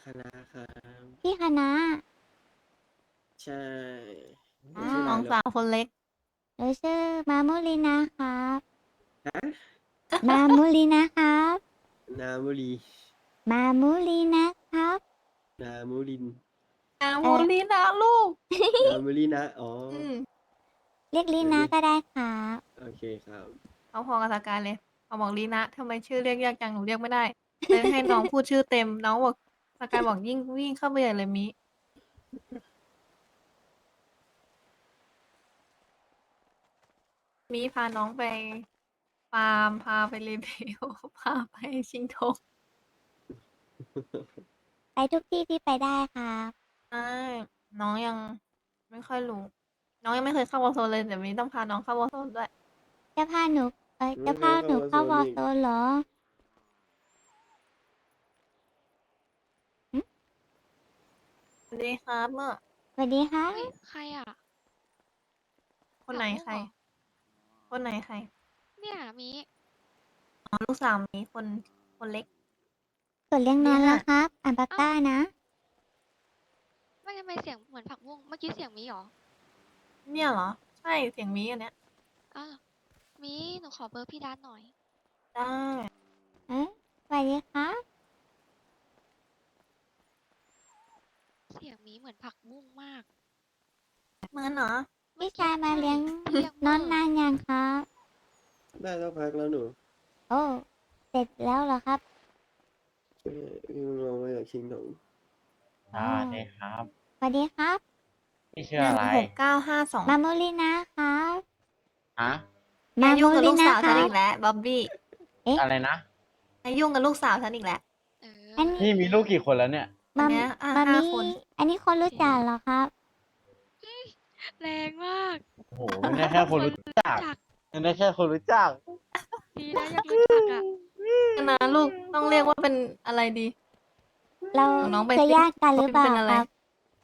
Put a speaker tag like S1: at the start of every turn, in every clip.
S1: คณะครับ
S2: พี่คณะ
S1: ใช่หนู
S2: อ่า
S1: ชื่ออะไรเหรอ
S3: น้องสาวคนเล็ก
S2: หนูชื่อมามุลินะครับ
S1: ฮะ
S2: มามุลินะครับ
S1: นามุรี
S2: มามุลินะครับ
S1: นามุริน
S3: นา
S2: เออ
S3: มูลีนะลูก
S1: นามุรีนะอ๋อ
S3: อืม
S2: เรียกลีนะ
S1: เดี๋ยวเรียก
S2: ก็ได้ครับ
S1: โอเคครับ
S3: เขาพอกับสกายเลยเขาบอกลีนะทำไมชื่อเรียกยากจังหนูเรียกไม่ได้เลยให้น้องพูดชื่อเต็มน้องบอกสกายบอกยิ่งวิ่งเข้าไปใหญ่เลยมิพาน้องไปฟาร์มพาไปรีเบลพาไปชิงธง
S2: ไปทุกที่ที่ไปได้ครับ
S3: ใช่น้องยังไม่ค่อยรู้น้องยังไม่เคยเข้าวอลโซนเลยเดี๋ยวมิต้องพาน้องเข้าวอลโซนด้วย
S2: จะพาหนูจะ
S1: ไม่เค
S2: พาหนู
S1: ยเข้าวอร์โซ
S2: เข้าวอล
S1: นอีก
S2: โซนเหรอหึ
S3: สวัสดีครับเมื่อ
S2: สวัสดีครับ
S4: เฮ้ยใครอ่ะ
S3: คนไหนใคร
S4: ผักบุ้งเหรอ
S3: คนไหนใคร
S4: เนี่ยมี
S3: อ๋อลูกสาวมีคนเล็ก
S2: กดเลี้ยงน
S3: ดีค่ะ
S2: อนแล้วครับอ่านปาก
S4: เอ้า
S2: ก้านะ
S4: ไม่ทำไมเสียงเหมือนผักบุ้งเมื่อกี้เสียงมีเหรอ
S3: เนี่ยเหรอใช่เสียงมีอันเนี้ย
S4: อ้าวมีหนูขอเบอร์พี่ดันหน่อย
S3: ได้
S2: เอ๊ะสวัสดีครับ
S4: เสียงมีเหมือนผักบุ้งมาก
S3: เหมือนเหรอ
S4: เมื่อ
S2: พี่ชายมา
S4: กี้ใช่
S2: เลี้ยง
S4: ที่เรียก
S2: น
S4: เมอร์
S2: อนนานยังครับ
S1: ได้สักพักแล้วหนู
S2: โอ้เสร็จแล้วเหรอครับ
S1: พี่ลงมาจากชิงถง
S2: อ๋อ
S5: สวัสดีครับ
S2: สวัสดีครับ
S5: พี่ชื่ออะไร
S3: 16,952
S2: มามุลินะครับ
S5: ฮะ
S3: อย่ายุ่งกับลูก
S2: มามุลินะ
S3: สาวฉัน
S2: ครับ
S3: อีกแล้วบ๊อบบี้
S5: อะไรนะ
S3: อย่ายุ่งกับลูกสาวฉันอีกแล้ว
S4: เอ
S2: อัน
S4: อ
S5: พี่มีลูกกี่คนแล้วเนี่ย
S3: อัน
S2: มา
S3: เนี้ย
S2: มา
S3: ห้า
S2: มี
S3: คน
S2: อันนี้คนรู้จักเหรอครับ
S4: แรงมาก
S5: โอ้โหไม่ได้แค่คนรู้จัก
S4: จัก
S5: ไม่ได้แค่คนรู้จัก
S4: ดีนะยังรู้จักอ่ะ
S3: นะลูกต้องเรียกว่าเป็นอะไรดี
S2: เรา
S3: ของน้องไป
S2: จะ
S3: สิ
S2: ญาติกันหรือเปล่า
S3: เป็นอะไร
S2: ครับ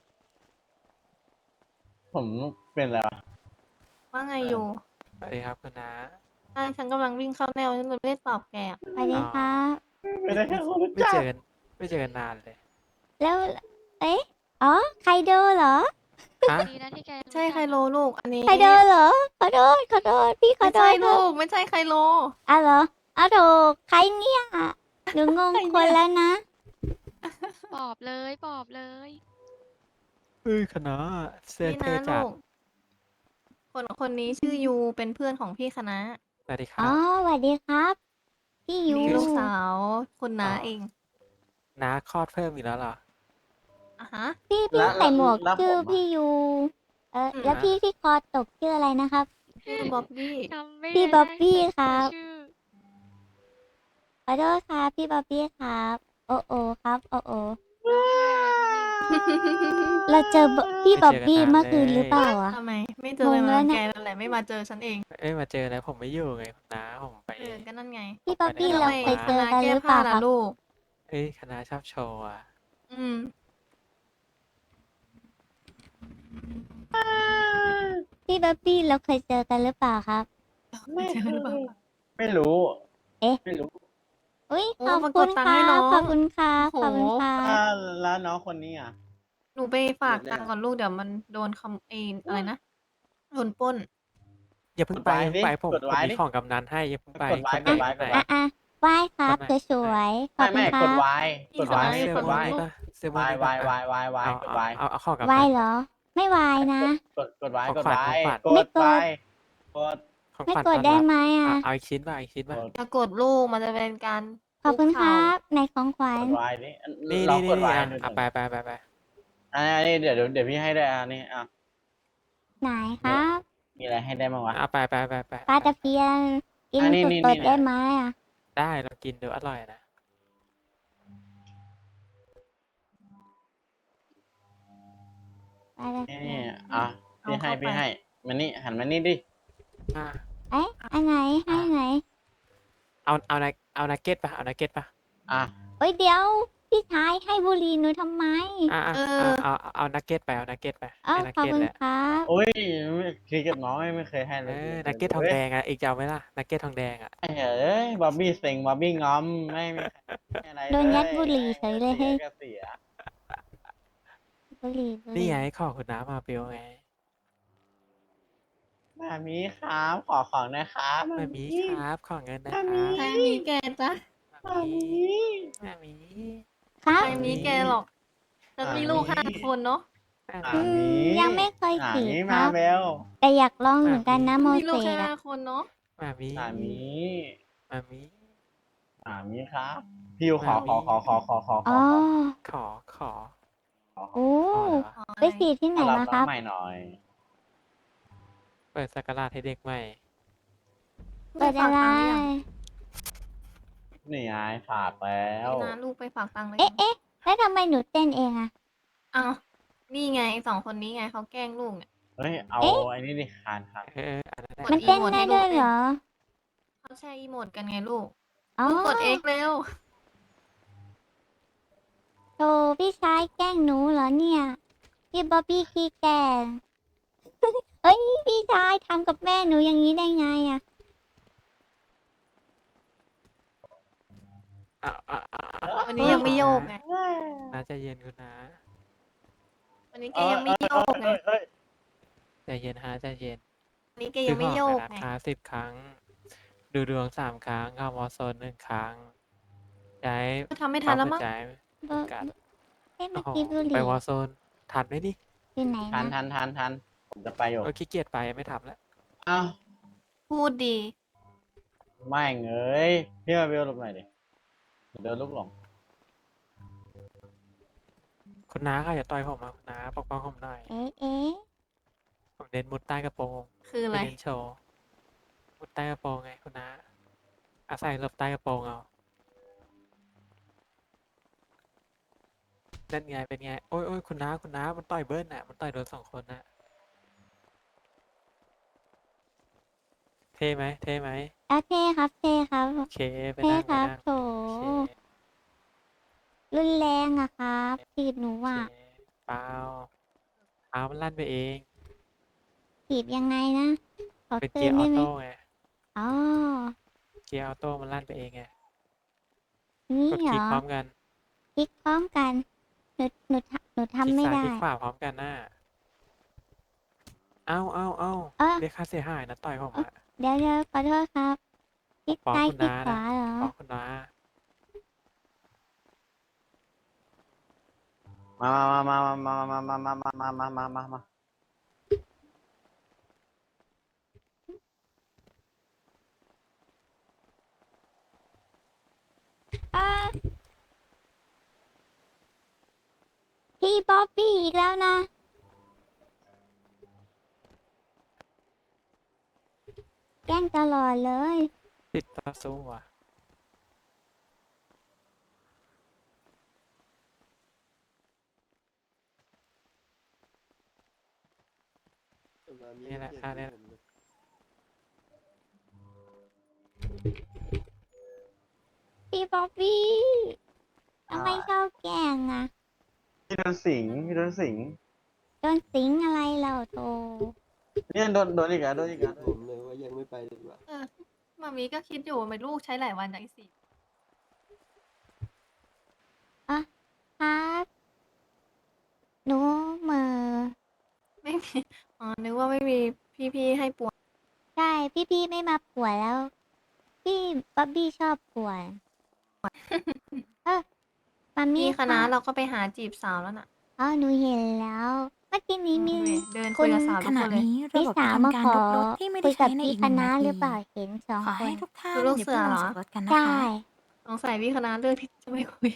S5: ผมเป็นอะไรวะ
S3: ว่าไงอยู่
S6: สวัสดีครับคุณน้า
S3: ใช่ฉันกำลังวิ่งเข้าแนวฉันเลยไม่ได้ตอบแกอะ
S2: สวัสดีครับ
S5: ไม่ได้แค่คนรู้
S6: ไม่
S5: จั
S6: เจ
S5: ก
S6: อกันไม่เจอกันนานเลย
S2: แล้ว เอ๊ะ อ๋อ ไคโดเหรอ
S6: ฮะ
S4: ดีนะที่แกยังรู้
S3: ใช่
S4: จัก
S3: ไคโลลูก อันนี้
S2: ไคโดเหรอ ขอโทษ ขอโทษ พี่ขอ
S3: ไม่
S2: โท
S3: ใช่
S2: ษค
S3: ลู
S2: รับ
S3: ก ไม่ใช่ไคโล
S2: อ่ะเหรออ้าวโถใครเนี่ยหนูงง
S3: ใครเนี่ย
S2: คนแล้วนะ
S4: ปอบเลยปอบเลย
S6: เฮ้ยคณะเสื้อ
S3: นี่
S6: เท่
S3: นะ
S6: จั
S3: ลู
S6: ด
S3: ก คนนี้ชื่อยูเป็นเพื่อนของพี่คณะ
S6: สวัสดีค
S2: อ๋อ
S6: รับ
S2: สวัสดีครับ พี่ยู
S3: นี่ลูกสาวคุณน้า
S6: อ๋อ
S3: เอง
S6: น้าคลอดเพิ่มอีกแล้วเหรอ
S3: อ่ะฮะ
S2: พี่
S5: แล้ว
S2: ใส่หมวก
S5: แล้ว
S2: ชื่อ
S5: ผมอะ
S2: พี่ยู
S3: อืม
S2: แล้วพี่ที่คอตกชื่ออะไรนะครับ
S3: ชื่อบ๊อบบี้
S4: จำไม่
S2: พี่
S4: ได้
S2: บ๊อบบี้
S4: แต่
S2: ครับ
S4: ชื่อ
S2: ขอโทษครับพี่บ๊อบบี้ครับ โอโอครับ โอโอ
S4: น้องชื่ออะไรพี่หมิง
S2: เราเจอพี่
S6: ไม่
S2: บ๊อบ
S6: เจอกัน
S2: บี้
S6: นาน
S2: เมื่อคืน
S6: เลย
S2: หรือเปล่าอะ
S3: ทำไม ไม่เจอเลย
S2: งง
S3: มา
S2: แล้วนะ
S3: แกนั่นแหละไม่มาเจอฉันเอง
S6: เอ้ยมาเจอแล้วผมไม่อยู่ไงคุณน้าผมไป
S3: ก็นั่นไง
S2: พี่บ๊อบบี้
S6: ไปไหน
S2: เรา
S6: แล้ว
S2: เคยเจอ
S3: คณะ
S2: กัน
S3: แก้
S2: หรือเป
S3: ผ้า
S2: ล่าค
S3: ล่ะ
S2: รับ
S3: ลูก
S6: เอ้ยคณะชอบโชว์อะ
S3: อืม
S2: พี่บ๊อบบี้เราเคยเจอกันหรือเปล่าครับ
S5: ไม่
S3: เจอหรือเปล่า
S5: ไม่รู้
S2: เอ๊ะ
S5: ไม่รู้
S2: อุ้ย
S3: โอ้
S2: ขอบ
S3: มาก
S2: คุ
S3: ด
S2: ณ
S3: ตัง
S2: ค
S3: ค์ให้
S2: รั
S3: น้
S2: บ
S3: อง
S2: ขอบคุณครับ
S3: โอ้
S2: ขอบ
S3: โห
S2: คุณครับ
S5: แล้วน้องคนนี้อ่ะ
S3: หนูไปฝากตังค์ก่อนลูกเดี๋ยวมันโดนอะไรนะ โดนปล้น
S6: อย่าเพิ่งไปอย่าเพิ่งไปผมมีของกำนันให้อย่าเพิ่งไป
S5: กดไว้
S6: คนไหน
S5: กดไว้
S6: คนไหน
S2: อ่ะอ่ะไหว้ครับ
S6: คนไหน
S2: สวยๆขอบคุ
S5: ไม่
S2: ณค
S5: ก
S2: รั
S5: ด
S2: บ
S5: ไว้กดไว้
S3: ไม่
S6: เสื้อก
S3: ด
S6: ม่ว
S3: ไว้
S6: งนี่ปะเสื้อม่ว
S5: วาง ย
S6: นี่
S5: วา
S6: ปะ
S5: ย
S6: อ่ะ
S5: วายวาย
S6: เอา
S5: กดไว้
S6: เอาของกำ
S2: ไหว้
S6: นัน
S2: เหรอ ไม่ไหว้นะ
S5: กดไว้
S6: ของ
S5: กด
S6: ขวัญ
S5: ไว้
S6: ของขวัญ
S5: ก
S2: ไม่
S5: ด
S2: กด
S5: ไว้กด
S6: ของ
S2: ไม่
S6: ขวัญ
S2: กด
S6: ต้อน
S2: ได้
S6: รับ
S2: ไหม
S6: อ่ะ
S2: อ่ะ
S6: เอาอีกชิ้นป่ะอีกชิ้นป่ะ
S5: กด
S3: ถ้ากดลูกมันจะเป็นการ
S2: ขอบคุณ
S3: คุก
S2: ครั
S3: เข่า
S2: บในของขวั
S5: ก
S2: ญ
S5: ดไว้นี่
S6: นี่
S5: เรา
S6: นี่
S5: กด
S6: นี่
S5: ไว้
S6: อ่ะ
S5: หนึ่ง
S6: อ่ะไป
S5: อันนี้เดี๋ยวพี่ให้ด้วยอันนี้อ่ะ
S2: ไหนครับ
S5: มีอะไรให้ได้บ้างวะ
S6: อ่ะไป
S2: ปลาตะเพียน กิน
S5: อันนี้
S2: ส
S5: นี่
S2: ด
S5: นี่
S2: ๆได้ไหมอ่ะ
S6: ได้เรากินดูอร่อยนะ
S2: ปลาตะ
S5: นี่
S2: เพียน
S5: อ่ะ
S3: เอา
S5: พี่ให้
S3: เข้าไป
S5: พี่ให้มานี่หันมานี่ดิ
S6: อ่ะ
S2: เอ๊ะอันไหนให้ไหน
S6: เอานักเก็ตป่ะเอานักเก็ตป่ะ
S5: อ่ะ
S2: เอ้ยเดี๋ยว พี่ชายให้บุหรี่หนูทำไม
S6: อ่ะ
S3: เออ
S6: เอานักเก็ตไปเอานักเก็ตไป
S2: เอ้า
S6: ให้นัก
S2: ขอบ
S6: เก็ต
S2: คุณ
S6: แหละ
S2: ครับ
S5: โอ้ยคือกับน้องไม่เคยให้เล
S6: เอย อนักเก็ตทองแดงอ่ะอีกจะเอาไหมล่ะนักเก็ตทองแดงอ่ะ
S5: เอ้ยบ๊อบบี้เซ็งบ๊อบบี้งอมไม่มีอะไร
S2: โดนยัดบุหรี่เฉยเลย
S5: เสี
S2: เฮ้ย
S5: ก็เสีย
S2: บุหรี่บุห
S6: นี่
S2: รี่
S6: ไงของคุณน้ามาเบลไง
S5: มามีครับขอของหนะครับ
S6: มามีครับ ของเงินนะค
S5: มา
S6: รับ
S5: มี
S3: ใครมีแกจ๊ะ
S5: มามี
S6: มามี
S2: ครับ
S3: ใครมีแกหรอกฉันมีลูก5 คนเนาะ
S6: มา
S5: มา
S2: อื
S5: มี
S2: มยังไม่เคย
S5: มา
S2: ขี่
S5: มี
S2: ค
S5: มา
S2: รับ
S5: เบล
S2: แต่อยากลองเหมือนกันนะโม
S3: มี
S2: เส
S3: ลูก
S2: ส
S3: แค่
S2: อะ
S3: 5 คนเนาะ
S6: มามี
S5: มามี
S6: มามี
S5: มามีครับพี่ขอ
S6: มามี
S2: อ๋อ
S6: ขอ ขอ
S2: โอ้
S6: ขออะไรวะ
S2: ไปขี่ที่ไหน
S5: ขอรับ
S2: มา
S5: น้
S2: ค
S5: อ
S2: รั
S5: ง
S2: บ
S5: ใหม่หน่อย
S6: เปิดสักราชให้เด็กใหม่
S2: เปิดอะไร
S5: นี่ไงฝากแล้ว
S3: นี่นะลูกไปฝากตังค์เลย
S2: เอ๊ะเอ๊ะแล้วทำไมหนูเต้นเองอะ
S3: อ้าวนี่ไง2 คนนี้ไงเขาแกล้งลูกเนี่ย
S5: เฮ้ยเอา
S2: เอ๊ะ
S5: ไอ้นี่ดิคานครับ
S6: อันนั้นแหละ
S3: ก
S2: มัน
S3: อี
S2: เต้น
S3: โมด
S2: ได้
S3: ให้ลู
S2: ด้
S3: ก
S2: วยเหรอ
S3: เขาแชร์อีโมดกันไงลูก
S2: อ๋อ
S3: ลูกกด X เร็ว
S2: โธ่พี่ชายแกล้งหนูเหรอเนี่ย พี่บ๊อบบี้ขี้แกล้ง เอ้ยพี่ชายทำกับแม่หนูอย่างนี้ได้ไงอะ
S3: วันนี้ยังไม่โยกไง
S6: น้าใจเย็นคุณน้า
S3: วันนี้แกยังไม่โยกไง
S5: เอ้ย
S6: ใจเย็นฮะใจเย็น
S3: วันนี้แกยังไม่โยก
S6: ซื้อของ
S3: ไง
S6: ในราคา10 ครั้ง ดูดวง3 ครั้งเข้าวอลโซน1 ครั้งย้าย
S3: ทำไม่ทันแล้วมั้ง
S6: ใจ
S2: เบอร์
S6: กัด
S2: เอ๊ะเมื่
S6: โอ้
S2: อ
S6: โห
S2: กี้บุห
S6: ไป
S2: รี่
S6: วอลโซนทันไหมดิ
S2: อยู่ไหน
S5: ทัน
S2: นะ
S5: ทันผมจะไปอยู่
S6: ขี้เกียจไปไม่ทำแล้ว
S5: อ้าว
S3: พูดดี
S5: ไม่เงยพี่มาเบลหลบหน่อยดิเดี๋ยวโดนลูกหลง
S6: คุณน้าค่ะอย่าต่อยผมมาคุณน้าปกป้องผมหน่อย
S2: เอ๊ะเอ๊ะ
S6: ผมเน้นมุดใต้กระโปรง
S3: คืออะไร
S6: ม่เน้นโชว์มุดใต้กระโปรงไงคุณน้าอาศัยหลบใต้กระโปรงเอานั่นไงเป็นไงโอ้ยโอ้ยคุณน้ามันต่อยเบิ้ลน่ะมันต่อยโดน2 คนน่ะเท่ไหมเท่ไหม
S2: เอาเท่ครับเท่ครับ
S6: โอเคไป
S2: เท่
S6: นั่ง
S2: ค
S6: ไป
S2: รับ
S6: นั่ง
S2: โถ
S6: โอเค
S2: รุนแรงอะครับถีบหนู
S6: โอ
S2: อะ
S6: เคเปล่าเอามันลั่นไปเอง
S2: ถีบยังไงนะ ขอ
S6: เป็น
S2: ตื่
S6: เกีย
S2: น
S6: ร์ออ
S2: ได้ไหม
S6: โต้ไง
S2: อ๋อ
S6: เกียร์ออโต้มันลั่นไปเองไง
S2: นี่
S6: กด
S2: เหร
S6: คลิก
S2: อ
S6: พร้อมกัน
S2: คลิกพร้อมกันหนู
S6: คลิก
S2: ทำไม่
S6: ซ้าย
S2: ได้
S6: คลิกขวาพร้อมกันน่ะเอา
S2: เอ้อ
S6: เรียกค่าเสียหายนะต่อยผมอะ
S2: เดี๋ยวขอโทษครับคลิก
S6: ฟ้อง
S2: ซ้าย
S6: คุณ
S2: คลิก
S6: น้า
S2: ขวาเหรอ
S6: ฟ้องคุณน้า
S5: มา
S2: อ่าพี่บ๊อบบี้อีกแล้วนะ แกล้งตลอดเลย
S6: ติดต่อสู้อ่ะ
S1: มามี
S6: นี่แหละ
S1: เกียรติ
S6: ค่าเนี่ย
S1: ผมเลย
S2: พี่บ๊อบบี้ทำไมชอบแกล้งอะ
S5: พี่โดนสิง
S2: โดนสิงอะไรเราโต
S5: เนี่ยโดนอีกแล้ว
S1: ผมเลยว่ายังไม่ไปดีกว่า
S3: มามีก็คิดอยู่ว่าไม่ลูกใช้หลายวันจากสิ
S2: ครับ หนูเหมือ
S3: ไม่มี อ๋อ นึกว่าไม่มีพี่ๆให้ปวด
S2: ใช่ พี่ไม่มาป่วนแล้ว พี่บ๊อบบี้ชอบป่วน มามี
S3: มีคณะ
S2: รับ
S3: เราก็ไปหาจีบสาวแล้วน่ะ
S2: อ๋อหนูเห็นแล้ว เมื่อกี้นี้มี
S3: เดินคุยกับสาว
S7: ข
S3: ทุก
S7: ณะ
S3: คนเลย
S7: นี้ระ
S2: พี่
S7: บบ
S2: สาว
S7: จะ
S2: มา
S7: ทำการ
S2: ขอ
S7: ลบรถที่ไม่
S2: คุ
S7: ได้
S2: ยกั
S7: ใช้
S2: บ
S7: ใน
S2: พี่
S7: อีก
S2: ค
S7: 1
S2: ณะ
S7: นา
S2: ห
S7: ที
S2: รือเปล่าเห็น2
S7: ขอ
S2: ค
S7: ให้
S2: น
S7: ทุกท่าน
S3: คือลูก
S7: อย่า
S3: เสื
S7: เพิ่
S3: อง
S7: ล
S3: เหรง อ
S7: จากรถกันนะ
S2: ใช่
S7: คะ
S3: สงสัยพี่คณะเลือกที่จะไม่คุย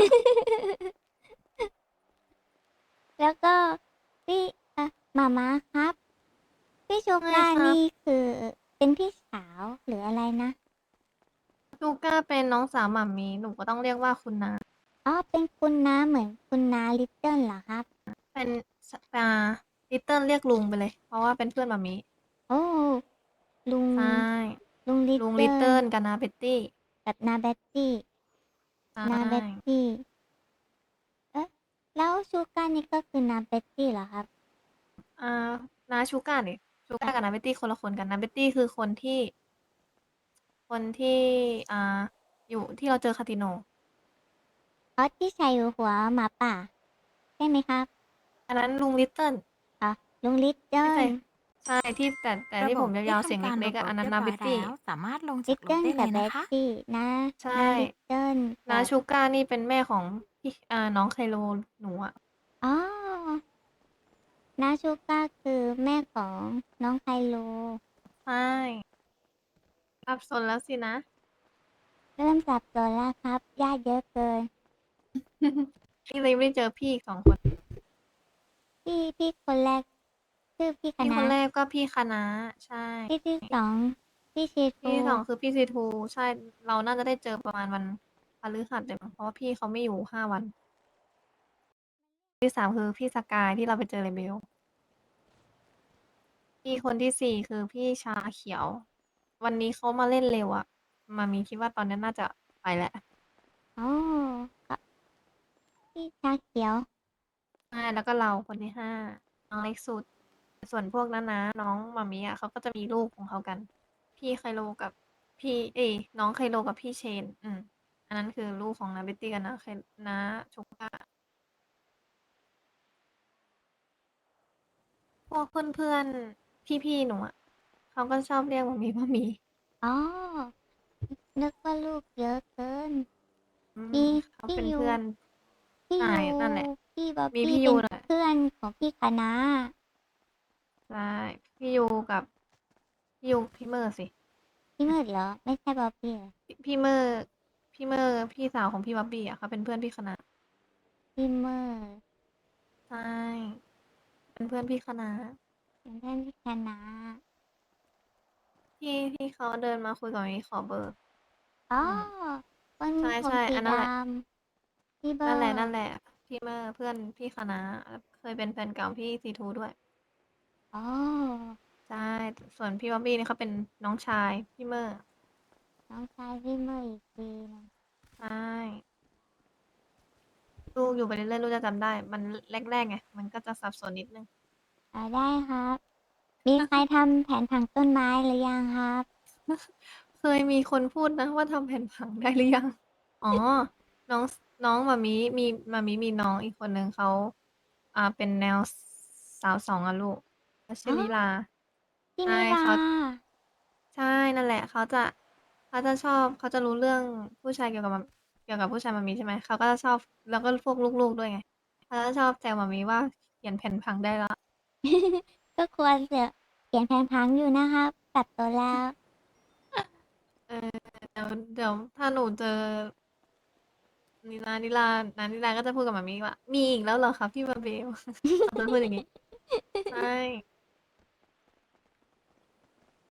S2: แล้วก็พี่หมาม้าครับ พี่ชู
S3: ไม่
S2: ก้า
S3: ครับ
S2: นี่คือเป็นพี่สาวหรืออะไรนะ
S3: ลูก้าเป็นน้องสาวหม่ามีหนูก็ต้องเรียกว่าคุณนา
S2: อ๋อ เป็นคุณน้าเหมือนคุณน้าลิตเติ้ลเหรอครับ
S3: เป็นลิตเติ้ลเรียกลุงไปเลย เพราะว่าเป็นเพื่อนหม่ามี
S2: โอ้ ลุง
S3: ใช่
S2: ลุงลิต
S3: ลุงลิต
S2: เติ้
S3: เติ้
S2: ล
S3: ลกับนาเบตตี้
S2: กับนาเบตตี้
S3: ใช่
S2: นาเบตตี้ แล้วชูก้านี่ก็คือนาเบตตี้เหรอครับ
S3: นาชูก้าเนี่ยชูก้ากับนาเบตตี้คนละคนกันนาเบตตี้คือคนที่ อยู่ที่เราเจอคาติโน
S2: อ๋อที่ใส่หัวหมาป่าใช่ไหมครับ
S3: อันนั้นลุงลิตเติ้ล
S2: อ่ะลุงลิตเติ้
S3: ไม่ใช่
S2: ล
S3: ใช่ที่แต่
S7: ระ
S3: ที่
S7: บ
S3: ผ
S7: บ
S3: ม
S7: ที่
S3: ยาวๆเสียง
S7: ทำการ
S3: เล็กๆ
S7: ระ
S3: อะ
S7: บบ
S3: อันนั้
S7: เรี
S3: น
S7: ยบ
S3: นา
S7: ร้อ
S3: บิ
S7: ย
S3: ตตี้
S7: แล้ว สามารถลง
S2: ลิ
S7: จาก
S2: ต
S7: ร
S2: เติ้
S7: ถ
S2: ล
S7: ได้เล
S2: กับ
S7: ย
S2: เบ
S7: นะ
S2: ต
S7: คะ
S2: ตี้นะ
S3: ใช่
S2: ลิตเติ้ล
S3: นา
S2: กับ
S3: ชูก้านี่เป็นแม่ของพี่น้องไคโลหนูอะ
S2: อ๋อนาชูก้าคือแม่ของน้องไคโล
S3: ใช่สับสนแล้วสินะ
S2: เริ่มสับสนแล้วครับญาติเยอะเกิน
S3: พี่เลยไม่ได้เจอพี่อีก2 คน
S2: พี่คนแรกชื่อพี่ค
S3: พี่ค
S2: ณะ
S3: นแรกก็พี่คณะ ใช่
S2: พี่ที่สองพี่ชี
S3: พี่
S2: ทู
S3: ที่ 2 คือพี่ซีทู ใช่ เราน่าจะได้เจอประมาณวันพฤหัสเลยมั้ง เพราะว่าพี่เขาไม่อยู่5 วัน ที่ 3 คือพี่สกายที่เราไปเจอ Rebel พี่คนที่ 4 คือพี่ชาเขียว วันนี้เขามาเล่นเร็วอะมามีคิดว่าตอนนี้น่าจะไปแล้ว
S2: อ๋อก็พี่ชาเขียว
S3: ใช่ แล้วก็เราคนที่ 5 น้องเล็กสุด ส่วนพวกน้าๆน้องมามิอะเขาก็จะมีลูกของเขากัน พี่ไคโลกับพี่ น้องไคโลกับพี่เชน อันนั้นคือลูกของน้าบิตตี้กับน้าชูก้า พวกเพื่อนๆ พี่ๆ หนูอะเขาก็ชอบเรียกมามี
S2: อ๋อ นึกว่าลูกเยอะเกิน
S3: อืม
S2: มี
S3: เขา
S2: พี่
S3: เป็น
S2: ยู
S3: เพื่อน
S2: พี่
S3: ใช่
S2: ยู
S3: นั่นแหละ
S2: พี่บ๊อบ
S3: มี
S2: บี้
S3: พี่
S2: เป็
S3: ยู
S2: น
S3: น่ะ
S2: เพื่อนของพี่คณะ
S3: ใช่ พี่ยูกับ พี่เมอร์สิ
S2: พี่มืดเหรอ ไม่ใช่บ๊อบบี้เหรอ
S3: พี่เมอร์ พี่สาวของพี่บ๊อบบี้อะเขาเป็นเพื่อนพี่คณะ
S2: พี่มืด
S3: ใช่ เป็นเพื่อนพี่คณะ
S2: เป็นเพื่อนพี่คณะ
S3: ที่เขาเดินมาคุยกับมามีขอเบอร์
S2: อ๋อ
S3: อืม
S2: คน
S3: ใช่
S2: ผม
S3: ใช่
S2: สี
S3: อันนั้น
S2: ด
S3: แหละ
S2: ำพี่เบอ
S3: นั่น
S2: ร์
S3: แหละ พี่เมอร์ เพื่อนพี่คณะ เคยเป็นแฟนเก่าพี่ซีทูด้วย
S2: อ๋อ
S3: ใช่ ส่วนพี่บ๊อบบี้นี่เขาเป็นน้องชายพี่เมอร์
S2: น้องชายพี่มืดอีกทีหนึง
S3: ใช่ ลูกอยู่ไปเรื่อยๆลูกจะจำได้ มันแรกๆไง มันก็จะสับสนนิดหนึ่ง
S2: ได้ครับ มีใครทำแผนผังต้นไม้หรือยังครับ
S3: เคยมีคนพูดนะว่าทำแผนผังได้หรือยัง อ๋อ น้องน้องหม่ามีมีน้องอีกคนหนึ่งเขาเป็นแนวสาว2อะลูกเขาชื่อ
S2: อ๋อ
S3: ลิลา
S2: พี่
S3: ใช่
S2: มิลา
S3: ใช่ นั่นแหละ เขาจะชอบ เขาจะรู้เรื่องผู้ชายเกี่ยวกับผู้ชายหม่ามีใช่ไหม เขาก็จะชอบ แล้วก็พวกลูกๆด้วยไง เขาจะชอบแซวหม่ามีว่าเขียนแผนผังได้แล้ว
S2: ก็ควรจะเขียนแผนผังอยู่นะครับ ตัดตัวแล้ว
S3: เออ เดี๋ยวถ้าหนูเจอนิลาก็จะพูดกับหม่ามีว่า มีอีกแล้วเหรอคะพี่บาเบล เขาจะพูดอย่างงี้ ใช่